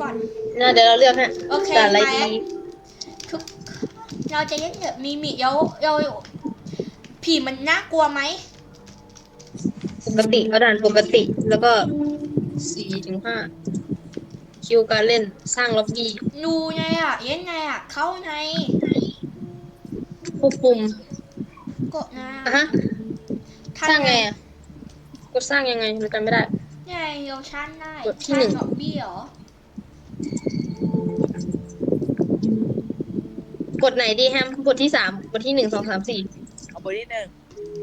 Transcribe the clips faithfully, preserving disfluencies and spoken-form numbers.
ก่อนน่าเดี๋ยวเราเลือกฮะโอเคแต่อะไรมาดีทุกเราจะเล่นแบบมีมิเราเราผีมันน่ากลัวไหมปกติเอาด่านปกติแล้วก็สี่ถึงห้าคิวการเล่นสร้างล็อบบี้ดูไงอ่ะเล่นไงอ่ะเข้าไงควบคุมกดนะอ่ะฮะสร้างไงอ่ะกดสร้างยังไงเราจำไม่ได้ไงเราสร้างได้กดที่สร้าหนึ่งงล็อบบี้เหรอกดไหนดีแฮมกดที่สามกดที่หนึ่งสองสามสี่เอาเบอร์ที่หนึ่ง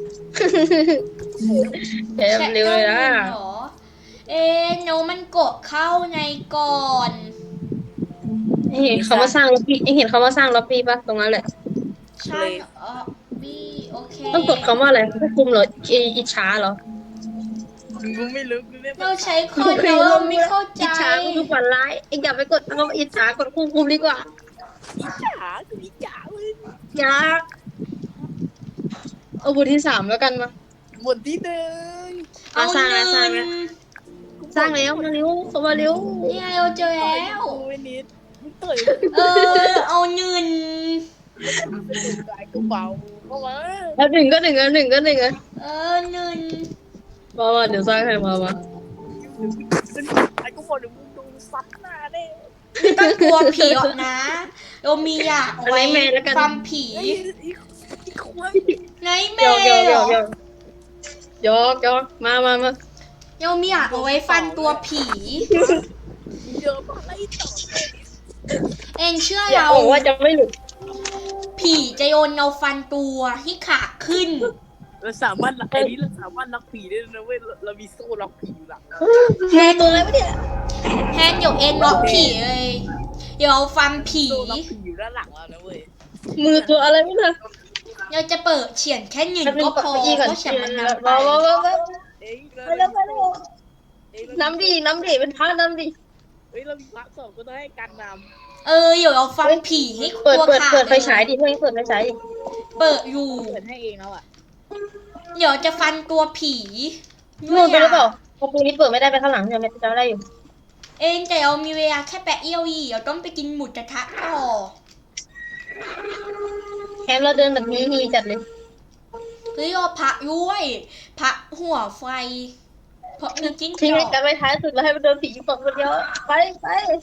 แฮมเร็วเลยนะเหรอเอ๊ะโนมันกดเข้าในก่อนเห็นเขามาสร้างล็อบบี้เห็นเขามาสร้างล็อบบี้ปะตรงนั้นแหละสร้างล็อบบี้โอเคต้องกดคำว่าอะไรควบคุมเหรออิจฉาเหรอกูไม่รู้กูเรียกเราใช้คนแต่ว่าเราไม่เข้าใจอิจฉาคือฝันร้ายเอ็งอย่าไปกดคำว่าอิจฉากดควบคุมดีกว่าอีจ๋าคืออีจ๋าเว้ยอยากเอาบทที่สามแล้วกันมาบทที่หนึ่งมาสร้างแล้วสร้างแล้วสร้างแล้วมาเร็วเข้ามาเร็วเนี่ยเราเจอแล้วกูไม่นิดมึงต่อยเออเอาเงินกายกูเบาเข้ามาแล้วหนึ่งก็หนึ่งอ่ะหนึ่งก็หนึ่งอ่ะเออเงินมามาเดี๋ยวสร้างให้มามาไอ้กูบอกเดี๋ยวมึงดูซัดหน้าแน่ไม่ต้องกลัวผีหรอกนะ เรามีอยากเอาไว้ฟัมผีไอ้ไอ้ไอ้ควายไงแมยอกยอกเหยรออกยอกยอกยอกมามามาเรามีอยากเอาไว้ฟันตัวผีเดี๋ยวมาไล่ต่อเอ็งเชื่ออย่าเราบอกว่าจะไม่หลุดผีจะโยนเราฟันตัวให้ขาขึ้นเราสามารถไอ้นี้เราสามารถล็อกผีได้นะเว้ยเรามีโซ่ล็อกผีอยู่หลังแทนตัวอะไรวะเนี่ยแทนเดี๋ยวเอ็นล็อกผีเลยเดี๋ยวเอาฟันผีโซ่ล็อกผีอยู่ด้านหลังเรานะเว้ยมือตัวอะไรไม่รู้เราจะเปิดเฉียนแค่หนึ่งแป๊บนึก็งกดพอเก้าอี้ก่อนเพราะฉันมันนำไปมามามามาเอ้ยไปแล้วไปแล้วน้ำดีน้ำดีเป็นพระน้ำดีเฮ้ยเรามีพระสองก็ต้องให้การนเออเดี๋ยวเราฟันผีให้เปิดตัวเปิดขาดเปิดไฟเลยฉายดิเพื่อนเปิดไฟฉายดิเปิดอยู่ำเปิดให้เองแล้วอ่ะเดี๋ยวจะฟันตัวผีนู่นไปหรือเปล่าประตูนี้เปิดไม่ได้ไปข้างหลังเนี่ยจะได้อยู่เองแต่เรามีเวลาแค่แปะเอี้ยวอีเราต้องไปกินหมูกระทะต่อแคมเราเดินแบบนี้ฮีจัดเลยเฮ้ยเราพระด้วยพระหัวไฟ เพราะมีจิ้งจทิ้งอให้กกันไปท้ายสุดแล้วให้มันเดินผีสองคนเดียวไปไป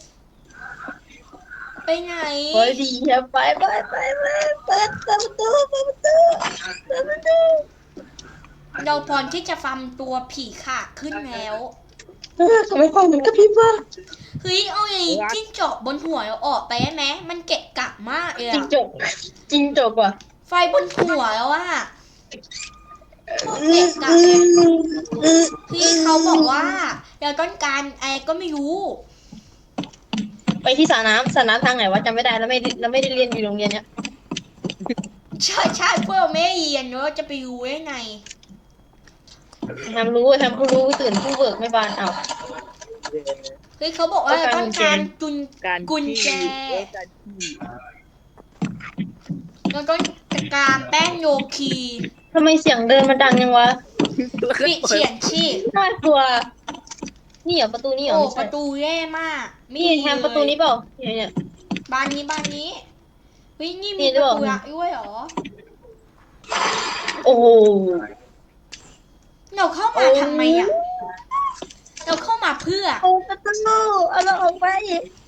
ไปไหนไปดีครับไปไปไปไปเปิดเปิดประตูเปิดประตูเปิดประตูเราพร้อมที่จะฟันตัวผีขาดขึ้นแล้วทำไมฟังมันกระพริบวะเฮ้ยเอาไอ้จิ้งจอกบนหัวเราออกไปได้ไหมมันเกะกะมากเลยจริงอะจบจริงจบว่ะไฟบนหัวแล้วอะโคตรเกะกะเลยพี่เขาบอกว่าเราต้องการอะไรก็ไม่รู้ไปที่สระน้ำสระน้ำทางไหนวะจำไม่ได้แล้วไม่แล้วไม่ได้เรียนอยู่โรงเรียนเนี้ยใช่ใช่พวกเราไม่เรียนเราจะไปรู้ได้ไงทำรู้ทำผู้รู้ตื่นผู้เบิกไม่บานเอาเฮ้ยเขาบอกว่าเราต้องการกุญการกุญแจการขี้เราต้องการแป้งโยคีทำไมเสียงเดินมันดังยังวะปิดเฉียนชีพน่ากลัวนี่เหรอประตูนี่เหรอโอ้ไม่ปใช่ระตูแย่มากนี่แฮมประตูนี้เปล่าเนี่ยเนี่ยบ้านนี้บ้านนี้เฮ้ยนี่นี่มีหรืปอระเปล่าตูลักด้วยเหรอโอ้โหเราเข้ามาทำไมอ่ะเราเข้ามาเพื่อเอาประตูเอาเราออกไป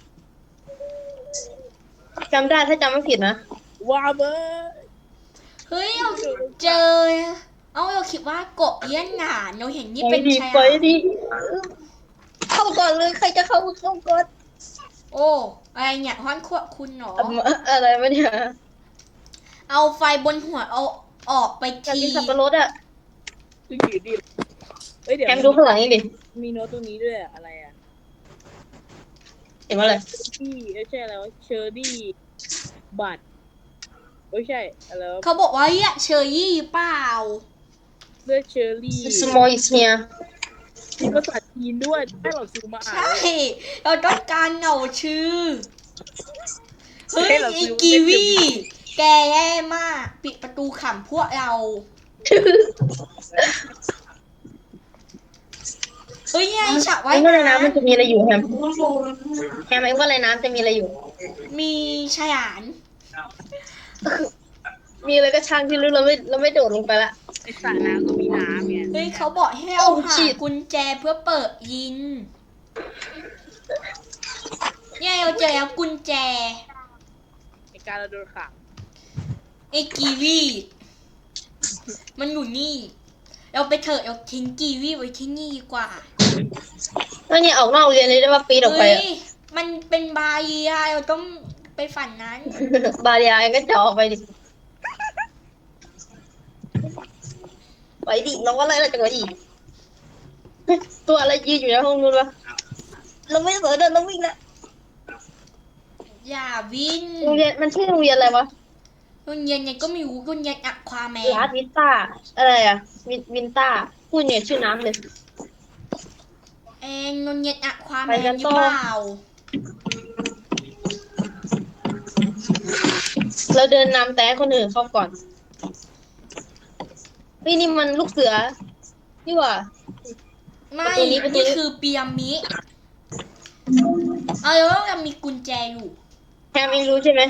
จำได้ถ้าจำไม่ผิดนะว่าเบอร์เฮ้ยเราเจอ เอาเราคิดว่าเกาะเอี้ยนหนานเราเห็นนี่ไปเป็นดีชายไปหาดดีเข้าก่อนเลยใครจะเข้าเข้าก่อนโอ้อะไรเนี่ยฮ้อนขวบคุณเหรออะไรวะเนี่ยเอาไฟบนหัวเอาออกไปอยากทีกินสับปะรดอ่ะดูอยู่ดิเฮ้ยเดี๋ยวแฮมดูข้างหลังนี่ดิมีโน้ตตรงนี้ด้วยอะอะไรอ่ะเห็นว่าอะไรที่ไม่ใช่อะไรวะเชอร์รี่บัตรไม่ใช่อะไรวะเขาบอกว่าเรียกเชอร์รี่เปล่าเลือดเชอร์รี่สมอลอิสเมียมีภาษาจีนด้วยให้เราซูมมาอ่านใช่ เราต้องการเหนาชื่อ เฮ้ยให้เราไอซื้อกีวี แกแย่มาก ปิดประตูขำพวกเราเฮ้ยไงฉากไอ้ว่ายว่าในน้น้ำมันจะมีอะไรอยู่แฮมแฮมไอ้ว่าในน้ำจะมีอะไรอยู่ำมีฉลามมีอะไรก็ช่างที่รู้เราไม่เราไม่โดดลงไปละไอสระน้ำก็มีน้ำเนี่ยเฮ้ยเขาบอกให้เราโอ้หา shit กุญแจเพื่อเปิดยินเนี่ยเราเจอแล้วกุญแจไอการเราโดนขังไอ้กีวีมันอยู่นี่ เราไปเถอะเราทิ้งกีวีไว้ที่นี่ดีกว่าแล้วเนี่ยออกนอกโรงเรียนเลยได้ว่าปีนออกไปเฮ้อะยมันเป็นบาเรียเราต้องไปฝั่งนั้นบาเรียไอ้ก็เจาะออกไปดิไปดิน้องว่าอะไรล่ะจังหวะดิตัวอะไรยืนอยู่ในห้องนู้นวะเราไม่เสือเดินเราวิ่งละอย่าวิ่งโรงเรียนมันชื่อโรงเรียนอะไรวะโรงเรียนเนี่ยก็ไม่รู้โรงเรียนอะควาแมนลาดวินต้าอะไรอะวินวินต้าพูดเนี่ยชื่อน้ำเลยเองโรงเรียนอะควาแมไปกัน นหต่รืออเปล่าเราเดินนำแต่ให้คนอื่นเข้าก่อนเฮ้ยนี่มันลูกเสือนี่หว่าไม่ประตูนี้ประตูนี้นี่คือปีรามิดเอาแล้วเรามีกุญแจอยู่แฮมเองรู้ใช่ไหม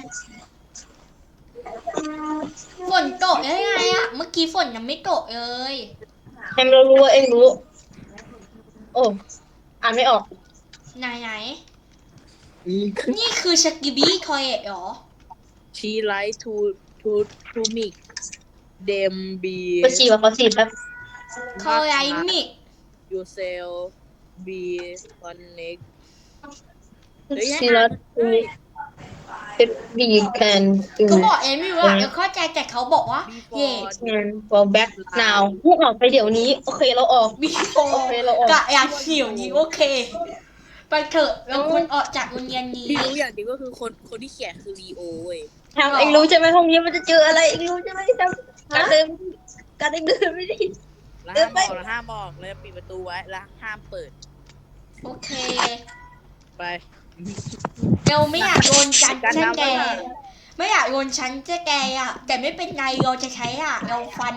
ฝนตกได้ไงอะเมื่อกี้ฝนยังไม่ตกเลยแฮมเรารู้ว่าเองรู้ โอ้อ่านไม่ออกไหนไหนนี่คือสกิบี้ทอยเอทเหรอชีไลท์ทูทูทูมิกเดมบีก็ฉี่ว่าเขาฉีดแป๊บคอไรมิกยูเซลบีคอนเน็กซีรัสเอฟบีแคนดูเขาบอกเอ็มอยู่ว่าเดี๋ยวเข้าใจแต่เขาบอกว่าเย่งาน for back now พวกออกไปเดี๋ยวนี้ โอเคเราออกบีโฟโอเคเราออกกะอยากเขียวนี้โอเค ไปเถอะเราควรออกจากโรงเรียนนี้ที่รู้อย่างเดียวก็คือคนคนที่เขียนคือลีโอเว้ยทำเองรู้ใช่ไหมห้องนี้มันจะเจออะไรเองรู้ใช่ไหมทำการเดินการเดินเดินไม่ได้แล้วเดิห้าน มไปบอกแล้วห้ามบอกแล้วปิดประตูไว้แล้วห้ามเปิดโอเคไปเราไม่อยากโดนจันการใช่ทำแกไว้ไม่อยากโดนฉันจะแกอะแต่ไม่เป็นไรเราจะใช้อะเราฟัน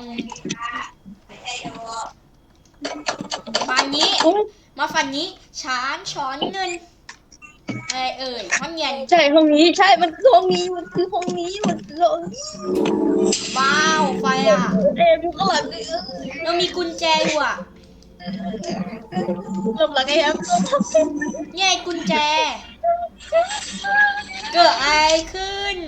ฟันนี้อุ๊ยมาฟันนี้ช้านช้อนเงินอะไรเอ่ยห้องเรียนใช่ห้องนี้ใช่มันคือห้องนี้มันคือห้องนี้มันคือห้องนี้ว้าวไฟอะเอ็มอยู่ข้างหลังนี่เออเรามีกุญแจอยู่อะหลบหลังไอ้แอมเนี่ยกุญแจ เกิดอะไรขึ้น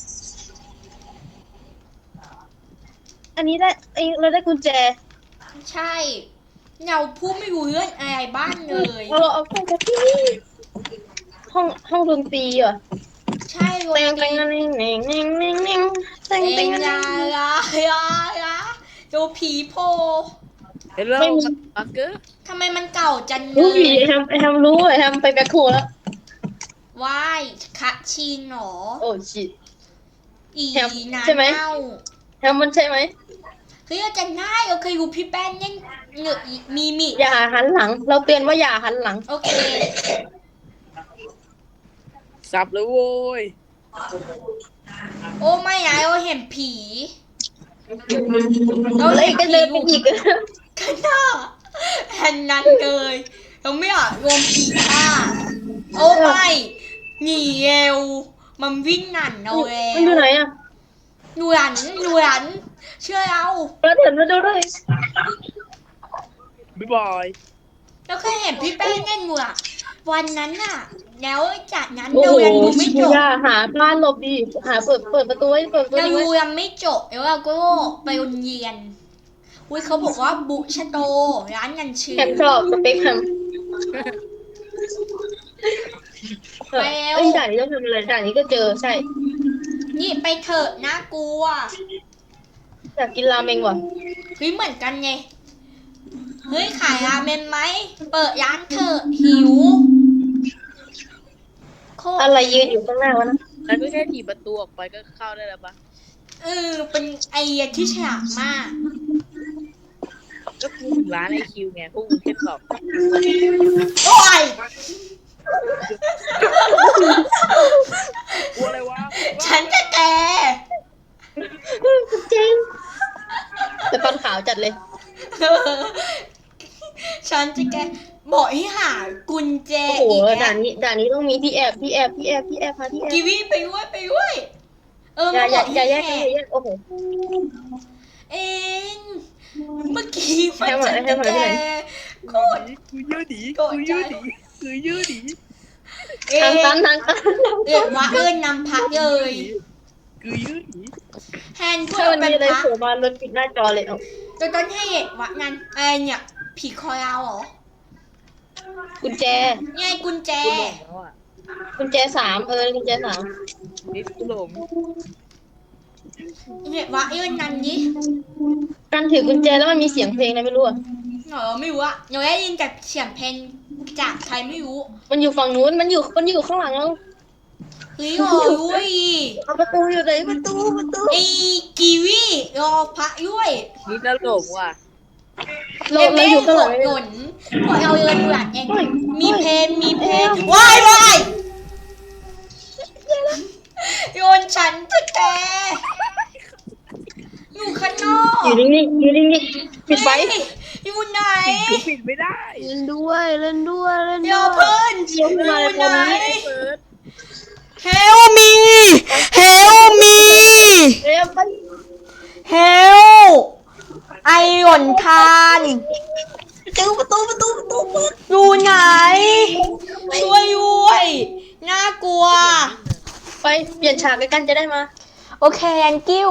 อันนี้ได้ไอเราได้กุญแจใช่เราพูดไม่รู้เรื่องอะไรบ้างเลยเราเอาเข้าจากที่นี่ห้องห้องดนตรีเหรอใช่โรเต็งตีเต็งเต็งเต็งเต็งเต็งเต็งเต็งเอเต็งงเต็ลาง ลาลาลาดูผีโพเฮลโลไม่มีบักเกอร์ทำไมมันเก่าจังเลรู้ผียไอ้แฮมไอ้แฮมรู้ไอ้แฮมไปแบ็คโฮแล้วว่ายคะชินหรอโอ้ชิตอีแฮมนาใช่ไหมเน่าแฮมมันใช่ไหมเฮ้ยเราจะง่ายเราเคยดูพี่แป้นเล่นเหงือกมีมิอย่าหันหลัง เราเตือนว่าอย่าหันหลังโอเคสับเลยโว้ยโอ้ไม่นะเราเห็นผีแล้วไอ้ก็เดินไปอีกกันหน้าแห่นนั้นเลยเราไม่อยากรวมผีฆ่าโอ้ไม่หนีเร็วมันวิ่งหนันเราแล้มันอยู่วไหนอ่ะหนวยันหนวยันเชื่อเราเราเห็นมาดูด้วยบ๊ายบายเราเคยเห็นพี่แป้งเล่นหนวดวันนั้นน่ะ แล้วจากนั้นโอ้เราโหยังดูไม่จบอย่าหาบ้านหลบดีหาเปิดเปิดประตูไว้เปิดประตูเราไว้ดูยังไม่จบแล้วเราก็ไปโรงเรียนอุ้ยเขาบอกว่าบุชโตร้านกันชื่อแฮมชอบสเปคแฮมไปแล้วเอ้ยด่านนี้ต้องทำอะไรด่านนี้ก็เจอใช่นี่ไปเถอะน่ากลัวอยากกินราเมงว่ะเฮ้ยเหมือนกันไงเฮ้ยขายราเมนไหมเปิดร้านเถอะหิวโคตรอะไรยืนอยู่ข้างหน้าวะนะแล้วก็แค่ถีบประตูออกไปก็เข้าได้แล้วปะเออเป็นไอเดียที่ฉลาดมากก็คือถึงร้านไอคิวไงพวกมึงแค่สอบโอ้ยกลัวอะไรวะฉันจะแกเจ๊งแต่ฟันขาวจัดเลยฉันจะแกด่านนี้ด่านนี้ต้องมีที่แอบที่แอบที่แอบที่แอบหาที่แอบกีวีไปด้วยไปด้วยเอออย่ามาอบ ย่าอกอย่าแยกให้กันอย่าแยกโอ้โหเอ็นเมื่อกี้มันให้มาฉันให้จะมาแกที่ไหนโคตรกูเยอะดีโกรธกูใจเยอะดีกูเยอะดีเอ็ทางตันนทางตันเรียกว่าเอิญนำพักเลยกูเยอะดีแฮนพูดถ้ามันเป็นมีอะไรพักโผล่มาเราปิดหน้าจอเลยเอาจนต้นให้วะงั้นไอเนี่ยผีคอยาวเหรอกุญแจไงกุญแจกูหลงแล้วอ่ะกุญแจสามเออกุญแจสามนิดกูหลงเนี่ยวะเอิญนันดิการถือกุญแจแล้วมันมีเสียงเพลงอะไรไม่รู้อะเออไม่รู้อะหนูได้ยินจากเสียงเพลงจากใครไม่รู้มันอยู่ฝั่งนู้นมันอยู่มันอยู่ข้างหลังเราเฮ้ยโอ้ยเอาประตูอยู่ไหนประตูประตูไอกีวีรอพระด้วยนี่น่าหลงว่ะเราเอ็มเราเอ็อยู่นข้างหหลังดเลยหล่นพวกเราเอิญหลังเองเฮ้ยมีเพลงมีเพลงวายวายโยนฉันจะแกอยู่ข้างนอกอยู่นิ่งๆอยู่นิ่งๆปิดไฟเฮ้ยอยู่ไหนกูปิดไม่ได้เล่นด้วยเล่นด้วยเล่นเดี๋ด้ยววยเพื่อนเดี๋ยวขึ้นมาเลยอยู่ไหนเปิด Help me Help me เร็วไป Help ไอหล่นทานเจอประตูประตูประตูเปิดอยู่ไหน ช่วยด้วยน่ากลัวไปเปลี่ยนฉากกันจะได้มาโอเค thank you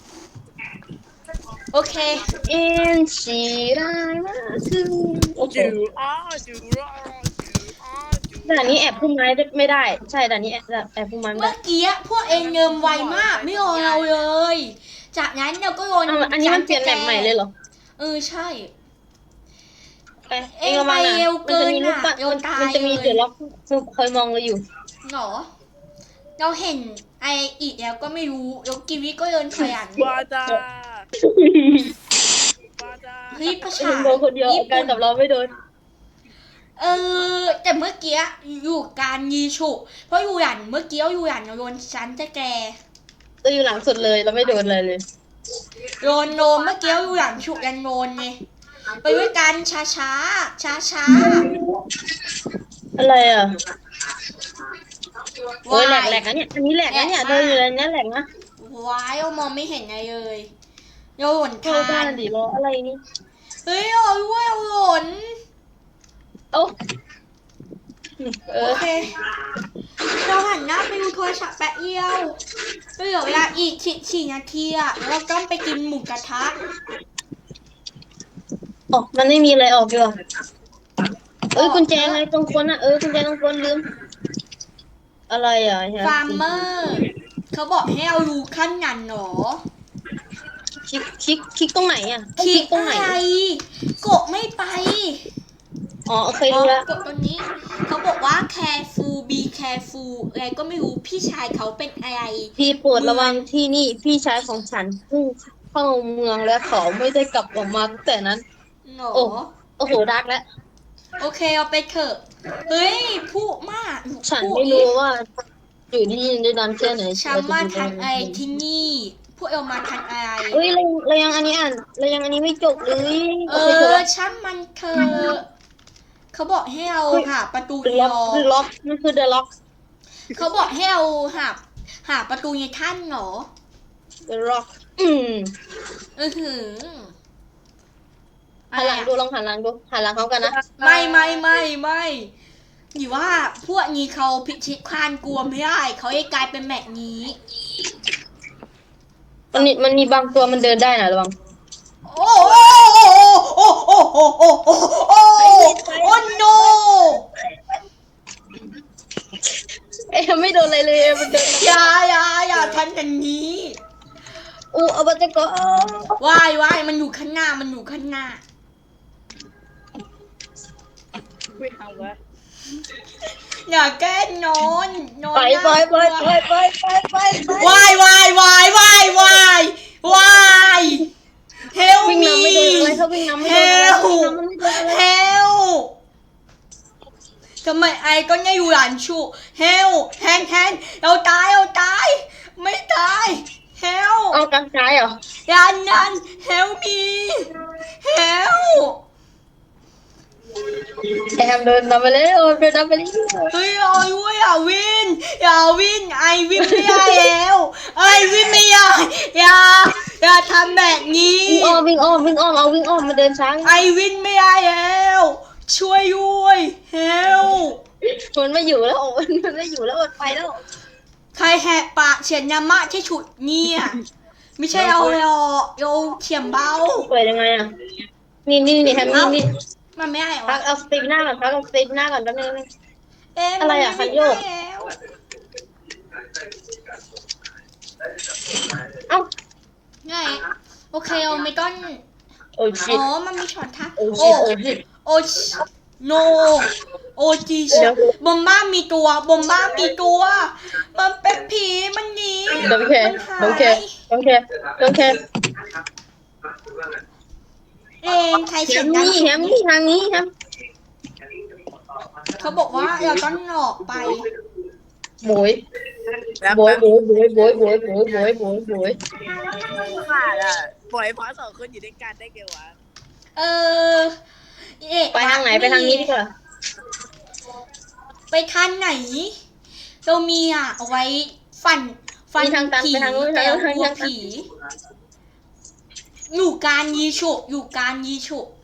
โอเคอินชีไรมาคือโอเคจูอ้าจูอ้าจูอ้าจูด่านนี้แอบพุ่มไม้ไม่ได้ ใช่ด่านนี้แอบแอบพุ่มไม้ไม่เมื่ได้อกี้พวกเองเงิมไวมาก ไม่รอเราเลย จากนั้นเราก็โยนอ้าวอันนี้มันเปลี่ยนแมปใหม่เลยเหรอเออใช่ไปเองระวังเอ็งไปนะเร็วมันจะมีเกิลูนกอะปัดโยนตายมันจะมีเลยเดี๋ยวล็อกคอยมองเราอยู่หรอ เราเห็นไออีกแล้วก็ไม่รู้แล้วกิวิก็เดินขยันบาจาบาจาเฮ้ยประชาเองโดนคนเดียวอาการกับเราไม่โดนเออ แต่เมื่อกี้อยู่การยีฉุเพราะอยู่หยันเมื่อกี้อยู่หยันโยนฉันจะแกเราอยู่หลังสุดเลยเราไม่โดนอะไรเลยโยนโนมเมื่อกี้อยู่หยันฉุยันโนนไงไปด้วยกันช้าช้าช้าช้าอะไรอ่ะๆโอ้ยแหลกแหลกนะเนี่ยอันนี้แหลกนะเนี่ยเดินอยู่ในนี้แหลกนะว้ายเรามองไม่เห็นอะไรเลยเราหล่นเข้าทาบ้านนดิรออะไรนี่เฮ้ยเอาด้วยเอาหล่นเอ้าเอโออเคเราหันหน้าไปดูโทรศัพท์แป๊บเดียวก็เหลือเวลาอีกสี่สี่นาทีอะแล้วเราต้องไปกินหมูกระทะอ๋อมันไม่มีอะไรออกอยู่หรอเอ้ยกุญแจไงตรงคนอ่ะเออกุญแจตรงคนลืม อะไรอ่ะเฮียฟาร์มเมอร์เขาบอกให้เอารูขั้นนันหนอคลิกคลิกคลิกตรงไหนอ่ะคลิกตรงไหนอะไรกดไม่ไปอ๋อโอเคอ๋อรู้แล้วกดตรงนี้ เขาบอกว่า careful be careful อะไรก็ไม่รู้พี่ชายเขาเป็นอะไรพี่โปรดระวังที่นี่พี่ชายของฉันเพิ่งเข้าเมืองและเขาไม่ได้กลับออกมาตั้งแต่นั้นหนอโอ้ โอ้โหดักแล้วโอเคเอาไปเถอะเฮ้ยพูดมากฉันพูดไม่รู้ว่า อยู่ที่นี่ได้นานแค่ไหนฉันเราจะมาดูทันได้อะไรที่นี่พวกเรามาทันอะไรเฮ้ยเราเรายังอันนี้อ่านเรายังอันนี้ไม่จบเลยเอโอเคจบอแล้วช่างมันเถอะ เขาบอกให้เราหาประตูเดในอะล็อกรอเดอะล็อกมันคือเดอะล็อกเขาบอกให้เราหาหาประตูในท่านเหรอเดอะล็อกอืมเออหือหันหลังดูลองหันหลังดูหันหลังเขากันนะไม่ไม่ไม่ไม่หรือว่าพวกนี้เขาพิชิตควานกลัวไม่ได้เขาจะกลายเป็นแบบนี้มันมีมันมีบางตัวมันเดินได้นะระวังโอ้โอ้โอ้โอ้โอ้โอ้โอ้โอ้โอ้ no เอ๊ะไม่โดนอะไรเลยมันเดินอย่าอย่าอย่าทำอย่างนี้อู้เอาไปจะก็วายวายมันอยู่ข้างหน้ามันอยู่ข้างหน้าไม่เอาวะอย่าแกล้งนอนนอนไปไปไปน่ากไปลัวไปไปไปไปวายวายวายวายวายวายเฮลวิ่งมีนำไม่โดนอะไรเขาวิ่งนำไม่โดนอะไรวิ่งนำมันไม่โดนอะไรเฮลทำไมไอก็ยังอยู่หลานชูเฮลแฮนแฮนเราตายเราตาย ไม่ตายเฮลเอากลางซ้ายเหรอยันนันเฮลมีเฮลแอมเดินนำไปเลยเดินนำไปเลยเฮ้ยเอาด้วยอย่าวินอย่าวินไอวินไม่ได้แล้วไอวินไม่ได้อย่าอย่าทำแบบนี้วิ่งอ้อมวิ่งอ้อมวิ่งอ้อมเอาวิ่งอ้อมมาเดินช้างไอวินไม่ได้แล้วช่วยด้วยเฮลมันไม่อยู่แล้วมันไม่อยู่แล้วมันไปแล้วใครแหกปากเฉียนยามะใช่ฉุดเนี่ยไม่ใช่เอาหรอกเอาเขียมเบาเปิดยังไงอ่ะนี่นี่นี่แฮมนี่นี่มันไม่ได้หรอพักเอาสติปหน้าก่อนพักเอาสติปหน้าก่อนแป๊บนึงเอ๊ะอะไรอะมันคัไม่นโยได้กแล้วเอ้าไงโอเคเอาไม่ต้องโอ้ชิอ๋ตอมันมีช็อตทักโอ้โอ้ชิตโอ้ชิตโอ้โนโอจีเดี๋ยวบอมบ้ามีตัวบอมบ้ามีตัว มันเป็นผีมันหนีโอเคมันหายโอเคโอเคโอเคเองใครแฮเขียนมดังนี่แฮมนี่ทางนี้แฮมเขาบอกว่าเราต้องออกไปโบยแล้วโบยโบยโบยโบยโบยโบยโบยโบยโบยขาดอ่ะปล่อยพาสองคนอยู่ด้วยกันได้ไงวะเออเอ๊ะไปทางไหนไปทางนี้ดีกว่าไปทางไหน เรามีอ่ะเอาไว้ฟันฟันมีทางตันผีไปทางนู้นแต่ทางนู้นกลัวทางตันผีอยู่การยีฉุกอยู่การยีฉุก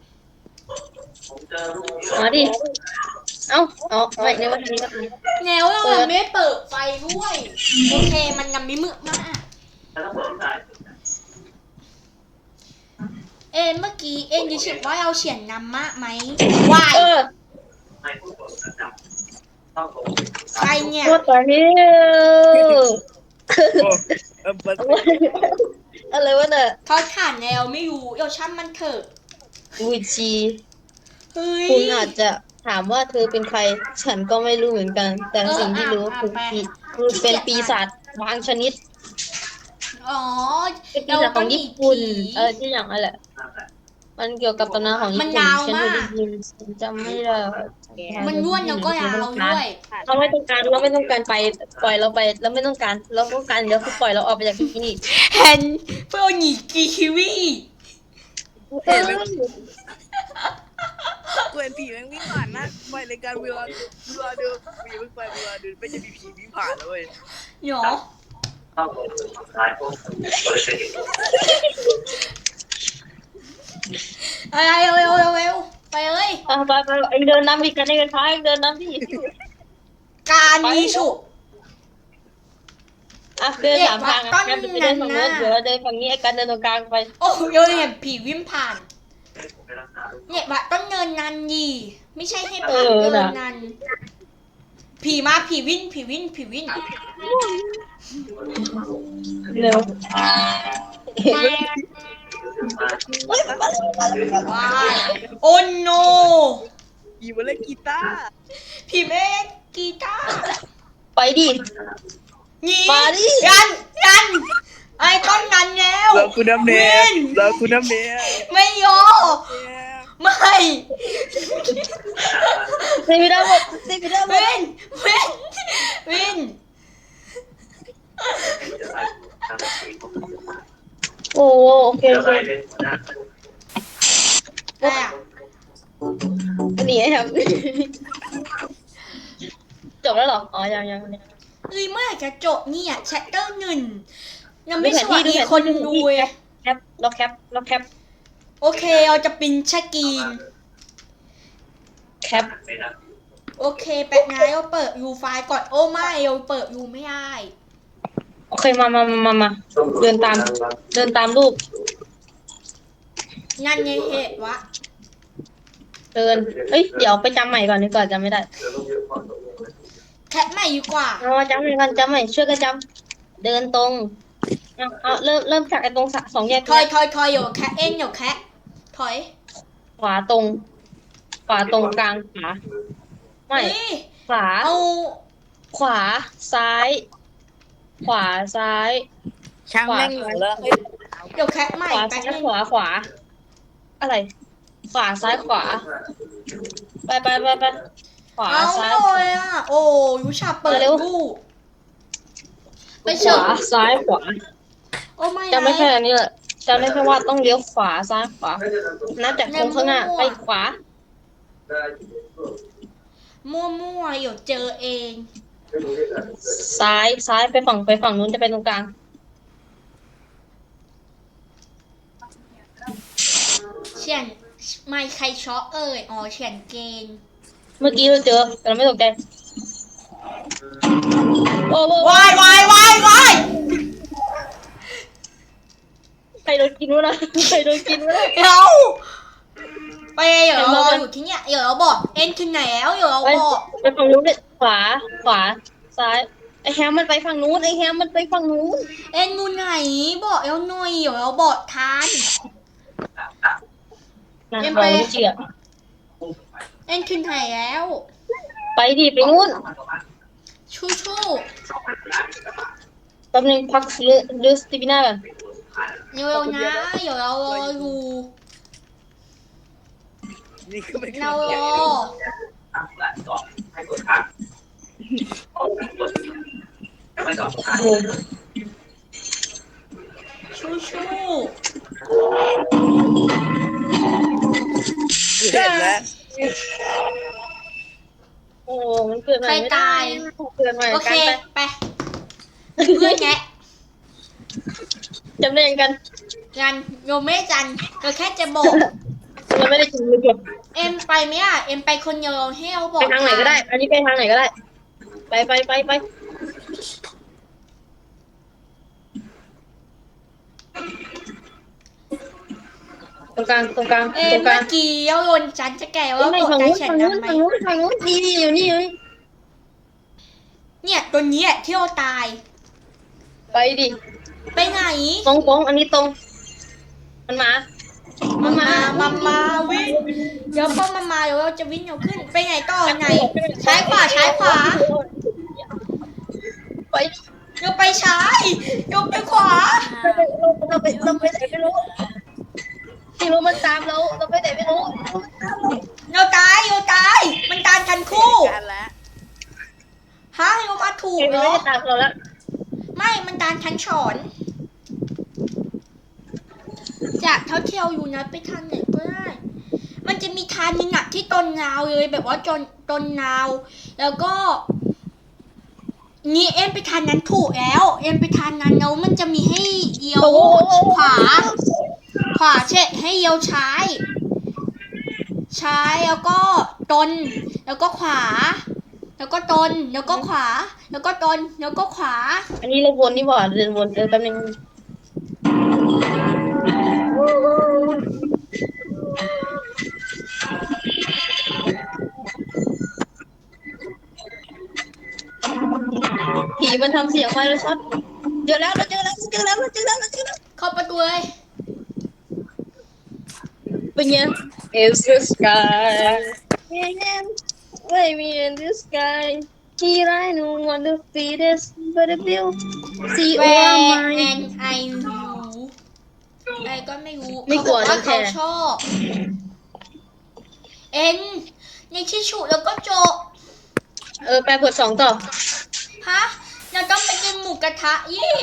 อ๋อดิเอ้าอ๋อไม่ในวันนี้ก็แล้วเราเปิดไม่เปิดไฟด้วย โอเคมันยังไม่มืดมาก เอ็นเมื่อกี้เอ็นรู้สึกว่าเราเฉียนนำมากไหมวายเออใครเนี่ยพูดตอนนี้เออเปิดอะไรวะเนี่ยเขาขานแนวไม่รู้เราช่างมันเถอะวิชีเฮ้ยคุณอาจจะถามว่าเธอเป็นใคร ฉันก็ไม่รู้เหมือนกัน แต่สิ่งที่รู้คือปีคือเป็นปีศาจบางชนิดอ๋อเป็นปีศาจของญี่ปุ่น เออที่อย่างนั้นแหละ มันเกี่ยวกับตำนานของญี่มันปุ่นยาวฉันมาเคยได้กยินฉันจำไม่ได้มันร่วนแล้วก็ยาวด้วยเราไม่ต้องการเราไม่ต้องการไปปล่อยเราไปเราไม่ต้องการเราต้องการเดี๋ยวคือปล่อยเราออกไปจากที่นี่แฮนเพื่อหนีกีคิวีเออเพื่อนผีแม่งวิ่งผ่านนะไปรายการเวลาเวลาเดิมผีมึงไปเวลาเดิมไม่จะมีผีวิ่งผ่านแล้วเว้ยหรออะไรเร็วเร็วเร็วเร็วไปเลยเอาไปไปเองเดินน้ำดิกันเองท้ายเองเดินน้ำดิการยีฉุกอ่ะเดินสามทางอ่ะงั้นไปเดินฝั่งโน้นเดี๋ยวเราเดินฝั่งนี้ไอ้การเดินตรงกลางไปโอ้เราเห็นผีวิ่งผ่าน เนี่ยบัดต้องเนินนันดีไม่ใช่ให้ผ่านเดินนันผีมาผีวิ่งผีวิ่งผีวิ่งเร็วว้ายโอ้โนผีมาเล่นกีตาร์ผีแม่งกีตาร์ไปดินี่มาดิยันยันไอ้ต้นนันแล้วเราคุณน้ำเนียวินเราคุณน้ำเนียไม่ยอไม่ตีไปได้หมดตีไปได้หมดวินวินวินโอ้โอเคโอเคอะไรอ่ะอันนี้ครับจบแล้วเหรออ๋อยังยังยังเฮ้ยเมื่อไหร่จะจบเนี่ยแชปเตอร์หนึ่งยังไม่สวัสดีคนดูเลยแคปเราแคปเราแคปโอเคเราจะปินชกรีนแคปโอเคแป๊บนะเราเปิดยูไฟล์ก่อนโอ้ไม่เราเปิดยูไม่ได้โอเคมามามามาเดินตามเดินตามรูปนั่นไงเหตุวะเดินเอ้ยเดี๋ยวไปจำใหม่ก่อนดีกว่าจำไม่ได้แคปใหม่ดีกว่าเอาจำใหม่ก่อนจำใหม่ช่วยกันจำเดินตรงเอาเอาเริ่มเริ่มจากไอ้ตรงสองแยกถอยถอยถอยอยู่แคปเองอยู่แคปถอยขวาตรง ขวาตรงกลางขวาไม่เฮ้ยขวาเอาขวาซ้าย ขวาซ้ายช่างแม่งเหรอเดี๋ยวแคปใหม่ขวาแป๊ซ้าบยนึงขวาขวา อะไร ขวาซ้ายขวา ไปไปไปไปขวาเอาซ้าไม่ยเลยอ่ะโอ้ยูชาเปิดเร็วดูไปขเฉิวาซ้ายขวาโอ้ไม่จำไม่แค่อันนี้แหละจำได้แค่ว่าต้องเลี้ยวขวาซ้ายขวานับจากตรงข้างหน้าไปขวาไมั่วๆเดี๋ยวเจอเองซ้ายซ้ายไปฝั่งไปฝั่งนู้นจะไปตรงกลางเฉียนไม่ใครช็อกเอ่ยอ๋อเฉียนเกณฑ์เมื่อกี้เราเจอแต่เราไม่ตกใจโอ้โหวายวายวายวายใครโดนกินวะนะใครโดนกินวะนะเดี๋ยวไปเดี๋ยวเรารออยู่ที่เนี่ยเดี๋ยวเราบอกเอ็นถึงไหนแล้วเดี๋ยวเราไปบอกไปฝั่งนู้นเลยขวาขวาซ้ายไอแฮมมันไปฝั่งนู้นไอแฮมมันไปฝั่งนู้นเอ็นอยู่ไหนบอกแล้วหน่อยเดี๋ยวเราบอกทันนะเอ็มเราไปไม่เชื่อเอ็นถึงไหนแล้วไปดิไปนู้นชูชูแป๊บนึงพักลือลือสติปิน่าก่อนเร็วๆนะเดี๋ยวเรารออยู่นี่ก็ไม่เคยเรารแกะอชูชูเห็นแล้วโอ้มันเกิดใหม่ไม่ได้เกิดใหม่โอกัเคนไปไปเพื่อนแงะจำได้ยังกันกันโยไม่จันเราแค่จะบอกเราไม่ได้กินเลยเอ็มไปไหมอ่ะเอ็มไปคนเดียวเราให้เราบอไปกทางไหนก็ได้ อันนี้ไปทางไหนก็ได้ ไปไปไปไปตรงกลางตรงกลางเอ็ตรมงกลาเมื่งอกี้เราโยนจันจะแก่ว่าไม่กดฝั่งใจนู้นแข็งฝั่งนู้นทำไหมฝั่งนู้นฝั่งนู้นนี่นี่อยู่นี่อยู่นี่เนี่ยตัวนี้แหละที่เราตายไปดิไปไหนตรงตรงอันนี้ตรง มันมา มันมามามาวิ่งเดี๋ยวพอมามาเดี๋ยวเราจะวิ่งเร็วขึ้นไปไหนต่อไหนซ้ายขวาซ้ายขวาไปเดี๋ยวไปซ้ายเดี๋ยวไปขวาเราไปเราไปไหนไม่รู้ไม่รู้มันตามเราเราไปไหนไม่รู้เดี๋ยวตายเดี๋ยวตายมันตามกันคู่กันแล้วฮะเรามาถูกมันเหรไม่อได้ตามเราแล้วไม่มันตามทันฉอนจากเท่าเที่ยวอยู่นะไปทางไหนก็ได้ มันจะมีทางหนึงอะที่ต้นนาวเลยแบบว่าจนต้นนาว แล้วก็ นี่เอ็มไปทางนั้นถูกแล้ว เอ็มไปทางนั้นแล้วมันจะมีให้เลี้ยวขวา ขวาเช็ดให้เลี้ยวซ้ายซ้ายแล้วก็ตนแล้วก็ขวา แล้วก็ตนแล้วก็ขวา แล้วก็ตนแล้วก็ขวาอันนี้เราวนนี่หว่าเดินวนเดินแป๊บนึงผีมันทำเสียงมาเลยช็อตเจอแล้วเราเจอแล้วเจอแล้วเราเจอแล้วเราเจอแล้วเข้าประตูเลยเป็นไง Is the sky Baby in the sky Here I know what the feet is But the bill See แว all ร์ my แอนไอยูไอก็ไม่รู้ไม่กลัวเขาบอกว่าน้องแคเขาร์ชอบเอ็นในที่ฉุแล้วก็โจบเออแปลบทสองต่อฮะเราต้องไปกินหมูกระทะยี่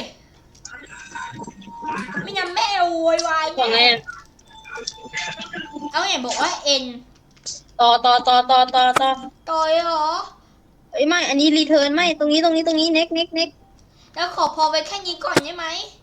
ไม่งั้นแม่โวยวายบอกไงแน่อะเอาไหนบอกว่าเอ็นต่อต่อต่อต่อต่อต่อต่อยเหรอเอ้ยไม่ อันนี้รีเทิร์นไม่ ตรงนี้ตรงนี้ตรงนี้เน็กเน็กเน็กแล้วขอพอไว้แค่นี้ก่อนได้ไหม